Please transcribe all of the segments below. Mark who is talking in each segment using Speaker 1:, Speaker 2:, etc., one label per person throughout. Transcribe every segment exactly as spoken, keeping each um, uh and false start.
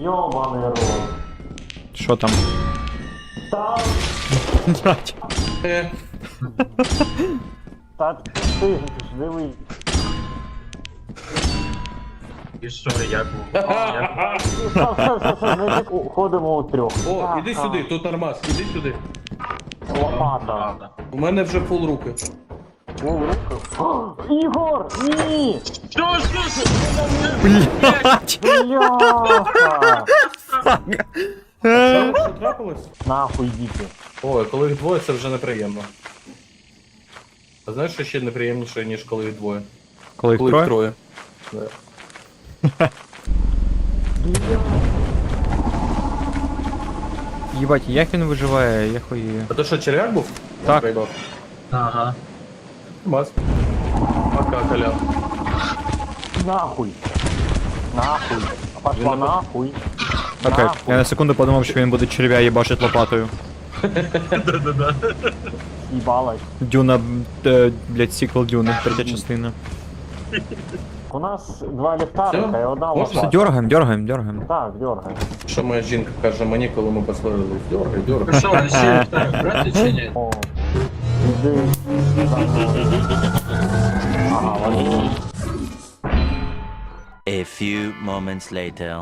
Speaker 1: Йобаний рот.
Speaker 2: Що там?
Speaker 1: Там...
Speaker 2: Блять.
Speaker 1: Та ти ж дивись.
Speaker 3: І що, як був?
Speaker 1: Все, все, все, все, значить, ходимо у трьох.
Speaker 4: О,
Speaker 1: Так,
Speaker 4: іди
Speaker 1: так.
Speaker 4: сюди, тут нормас, іди сюди.
Speaker 1: Лопата.
Speaker 3: Правда.
Speaker 4: У мене вже пол руки.
Speaker 1: О, рука. О, Ігор, ні!
Speaker 3: Що, що, що?
Speaker 2: Блять.
Speaker 1: Бляха!
Speaker 4: Що трапилось?
Speaker 1: Нахуй діти.
Speaker 4: Ой, коли їх двоє, це вже неприємно. А знаєш, що ще неприємніше, ніж коли їх двоє?
Speaker 2: Коли їх
Speaker 4: Коли їх
Speaker 2: троє?
Speaker 4: троє. Да.
Speaker 2: Їбать, як він виживає, я хуєю.
Speaker 4: А то що, черв'як був?
Speaker 2: Так.
Speaker 4: Проїбав.
Speaker 3: Ага.
Speaker 4: Мас. Пока, Колян.
Speaker 1: Нахуй. Нахуй. Пошла
Speaker 4: Він на-
Speaker 1: нахуй.
Speaker 2: Окей,
Speaker 1: Нахуй.
Speaker 2: я на секунду подумав, що він буде черв'я їбашить лопатою.
Speaker 1: Їбалась.
Speaker 2: Дюна, е, блять, сіквел Дюни, третя частина.
Speaker 1: У нас два ліхтарика
Speaker 4: Всё?
Speaker 1: і одна
Speaker 4: Можна?
Speaker 2: Все,
Speaker 1: лопата.
Speaker 2: дергаем, дергаем, дергаем.
Speaker 1: Так, дергай.
Speaker 4: Що моя жінка каже мені, коли ми посварились? Дьоргай,
Speaker 3: Ну
Speaker 4: дьоргай.
Speaker 3: що, ви ще так брати чи ні?
Speaker 1: О. Іди. Ага, вони.
Speaker 5: A few moments later.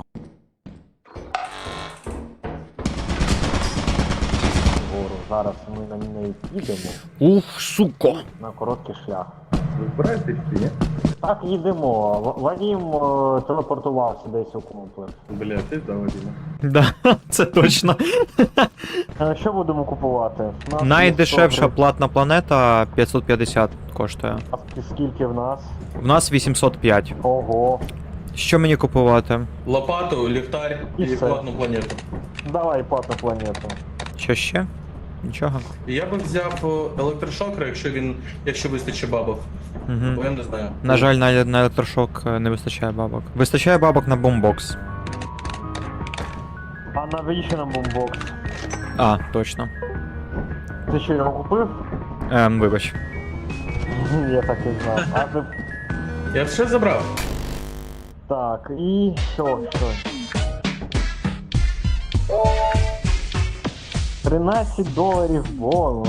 Speaker 1: Вгору. Зараз ми на неї їдемо
Speaker 2: Ух, сука.
Speaker 1: на короткий шлях.
Speaker 4: Ви збираєтесь чи ні?
Speaker 1: Так, їдемо. В- Вадим е, телепортувався десь у комплекс.
Speaker 4: Бля, ти да, Вадима.
Speaker 2: Да, це точно.
Speaker 1: Е, Що будемо купувати? У нас є
Speaker 2: Найдешевша
Speaker 1: сто
Speaker 2: платна планета п'ятсот п'ятдесят коштує.
Speaker 1: гривень. Скільки в нас?
Speaker 2: В нас вісімсот п'ять.
Speaker 1: Ого.
Speaker 2: Що мені купувати?
Speaker 4: Лопату, ліхтар
Speaker 1: І
Speaker 4: і
Speaker 1: все.
Speaker 4: платну планету.
Speaker 1: Давай платну планету.
Speaker 2: Що ще? Нічого.
Speaker 4: Я би взяв о, електрошокер, якщо він, якщо вистачить бабок. Бо
Speaker 2: Угу.
Speaker 4: я не знаю.
Speaker 2: На жаль, на, на електрошок е, не вистачає бабок. Вистачає бабок на бомбокс.
Speaker 1: А навіщо нам бомбокс?
Speaker 2: А, точно.
Speaker 1: Ти що, його купив?
Speaker 2: Ем, вибач.
Speaker 1: Я так і знав. А ти...
Speaker 4: Я все забрав.
Speaker 1: Так, і що, що? тринадцять доларів бонус.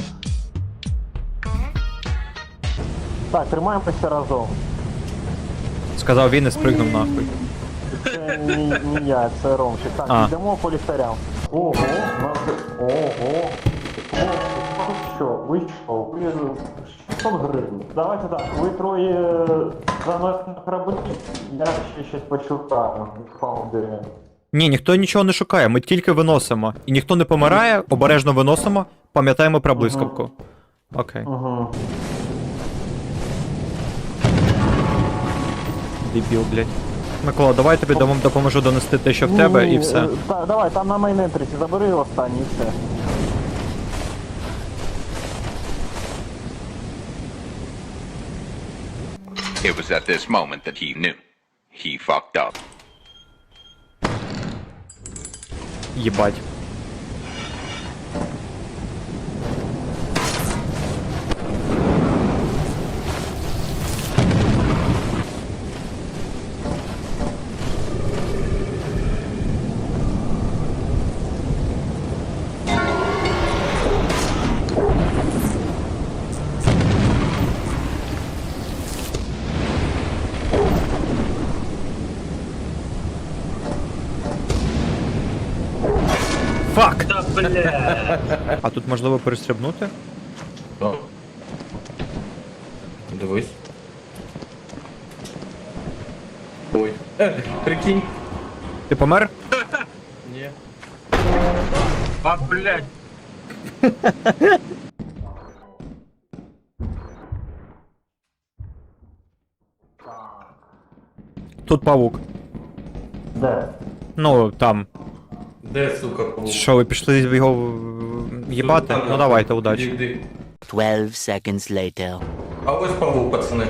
Speaker 1: Так, тримаємося разом.
Speaker 2: Сказав він і спригнув нахуй.
Speaker 1: Це не, не я, це Ромчик. Так,
Speaker 2: А.
Speaker 1: йдемо по ліхтарям. Ого, нас... Ого. Ого, що, ви що? Ви... шістсот гривень. Давайте так, ви троє заносите на кораблі, я ще щось почукаю. Паундері.
Speaker 2: Ні, ніхто нічого не шукає, ми тільки виносимо. І ніхто не помирає, обережно виносимо, пам'ятаємо про блискавку. Окей.
Speaker 1: Угу.
Speaker 2: Дебіл, блядь. Микола, давай тобі дом- допоможу донести те, що в тебе, і все.
Speaker 1: Та, давай, там на майнентріці забери останній і все.
Speaker 6: It was at this moment that he knew. He fucked up.
Speaker 2: Єбать. Фак!
Speaker 3: Та бля.
Speaker 2: А тут можливо перестрибнути?
Speaker 4: О. Дивись. Ой. Е, прикинь.
Speaker 2: Ти помер?
Speaker 4: Ні.
Speaker 3: А, блядь.
Speaker 2: Тут павук.
Speaker 1: Де?
Speaker 2: Ну, там.
Speaker 4: Де, сука, паук?
Speaker 2: Що, ви пішли його е, їбати? Ну давайте, удачі.
Speaker 4: Іди, іди.
Speaker 5: Twelve seconds later.
Speaker 4: А ось павук, пацани.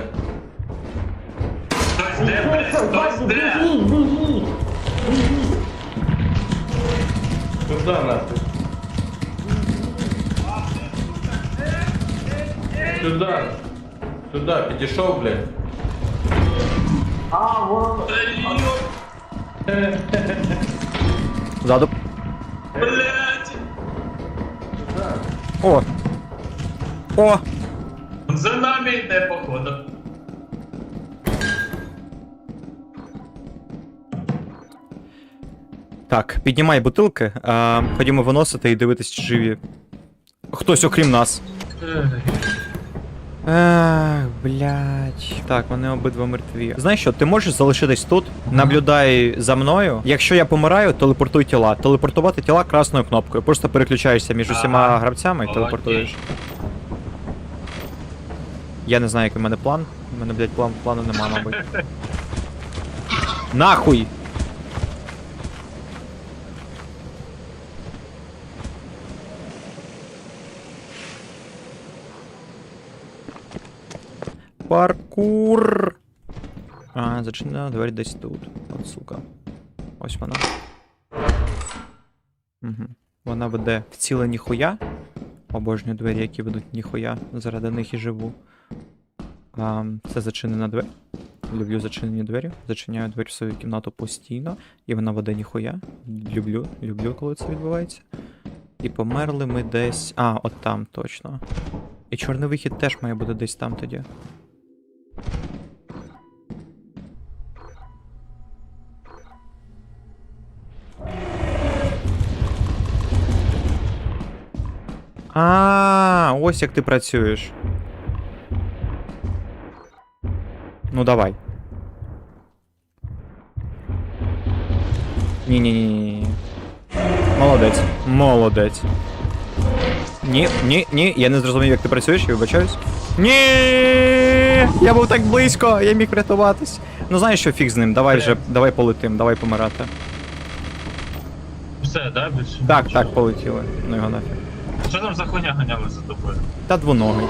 Speaker 3: Хтось де, блядь, хтось де.
Speaker 1: Біжіть, біжіть!
Speaker 4: Куди нахуй? Сюди. Сюди, підійшов, блядь.
Speaker 1: А, воно...
Speaker 2: Ззаду.
Speaker 3: Блять!
Speaker 2: О! О!
Speaker 3: За нами йде, походу.
Speaker 2: Так, піднімай бутилки, а, ходімо виносити і дивитись, чи живі. Хтось окрім нас. Ех, блядь. Так, вони обидва мертві. Знаєш що, ти можеш залишитись тут, наблюдай за мною. Якщо я помираю, телепортуй тіла. Телепортувати тіла красною кнопкою. Просто переключаєшся між усіма
Speaker 3: Ага.
Speaker 2: гравцями і
Speaker 3: Окей.
Speaker 2: телепортуєш. Я не знаю, який в мене план. У мене, блядь, план, плану нема, мабуть. Нахуй! Паркур! А, зачинена двері десь тут. От сука. Ось вона. Угу. Вона веде в ціле ніхуя. Обожнюю двері, які ведуть ніхуя. Заради них і живу. А, це зачинена двері. Люблю зачинені двері. Зачиняю двері в свою кімнату постійно. І вона веде ніхуя. Люблю, люблю, коли це відбувається. І померли ми десь. А, от там точно. І чорний вихід теж має бути десь там тоді. А, ось як ти працюєш. Ну давай. Ні-ні-ні. Молодець. Молодець. Ні, ні, ні, я не зрозумів, як ти працюєш, я вибачаюсь. Ні! Я був так близько, я міг врятуватись. Ну знаєш що, фіг з ним, давай вже, давай полетим, давай помирати.
Speaker 3: Все, да? Більше?
Speaker 2: Так,
Speaker 3: нічого?
Speaker 2: так, полетіли. Ну його нафіг.
Speaker 3: Що там за хуйня ганяли за тобою?
Speaker 2: Та двоногий.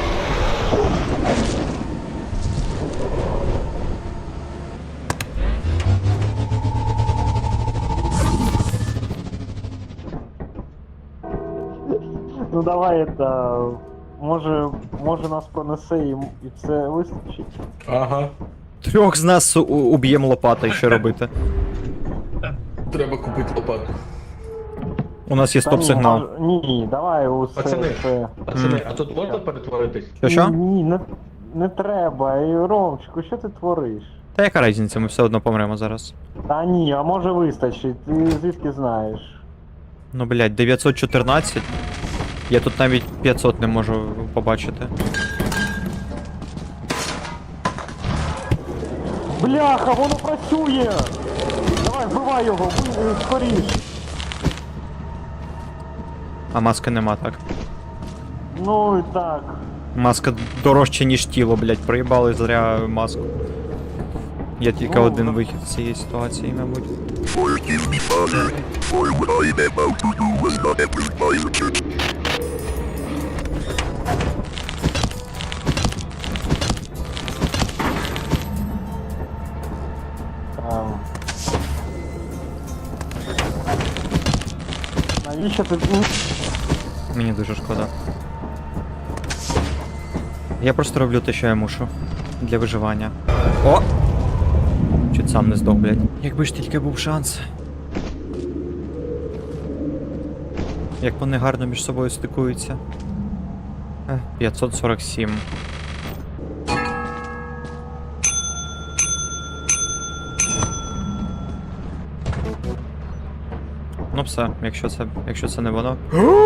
Speaker 1: Ну давай это. Може, може нас пронесе і, і це вистачить.
Speaker 4: Ага.
Speaker 2: Трьох з нас у- уб'ємо лопатою, що робити.
Speaker 4: Треба купити лопату.
Speaker 2: У нас є
Speaker 1: Та ні,
Speaker 2: стоп-сигнал.
Speaker 1: може- Ні, давай усе.
Speaker 4: Пацани.
Speaker 1: Це.
Speaker 4: Пацани, а тут можна перетворитись?
Speaker 2: Що що?
Speaker 1: Ні, не, не треба. І, Ромчику, що ти твориш?
Speaker 2: Та яка різниця, ми все одно помремо зараз.
Speaker 1: Та ні, а може вистачить, ти звідки знаєш?
Speaker 2: Ну блядь, дев'ятсот чотирнадцять. Я тут навіть п'ятсот не можу побачити.
Speaker 1: Бляха, воно працює! Давай, вбивай його, ви- скоріш!
Speaker 2: А маски нема, так.
Speaker 1: Ну і так.
Speaker 2: Маска дорожче, ніж тіло, блядь, проїбали зря маску. Є тільки
Speaker 1: Ну,
Speaker 2: один
Speaker 1: да.
Speaker 2: вихід з цієї ситуації, мабуть.
Speaker 1: Ем. Навіщо ти... ну,
Speaker 2: Мені дуже шкода. Я просто роблю те, що я мушу. Для виживання. О! Чуть сам не здох, блядь. Якби ж тільки був шанс. Як вони гарно між собою стикуються. Ех, п'ятсот сорок сім. Ну все, якщо це, якщо це не воно.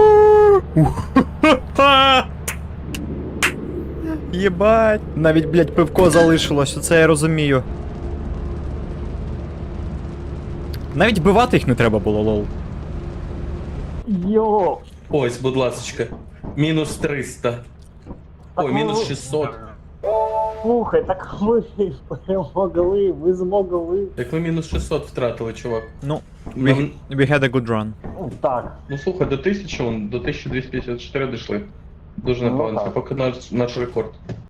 Speaker 2: Єбать! Навіть, блядь, пивко залишилось, оце я розумію. Навіть вбивати їх не треба було, лол.
Speaker 1: Йо!
Speaker 4: Ось, будь ласочка. Мінус триста. Ой,
Speaker 1: Так,
Speaker 4: мінус
Speaker 1: ну,
Speaker 4: шістсот.
Speaker 1: Слухай, так ви перемогли, ви змогли.
Speaker 4: Так ми мінус шістсот втратили, чувак.
Speaker 2: Ну, we,
Speaker 4: Нам-
Speaker 2: we had a good run.
Speaker 1: Ну, Так.
Speaker 4: Ну слухай, до тисячі, вон, до тисяча двісті п'ятдесят чотири дійшли. Дуже
Speaker 1: Ну,
Speaker 4: непогано, це
Speaker 1: так.
Speaker 4: поки наш, наш рекорд.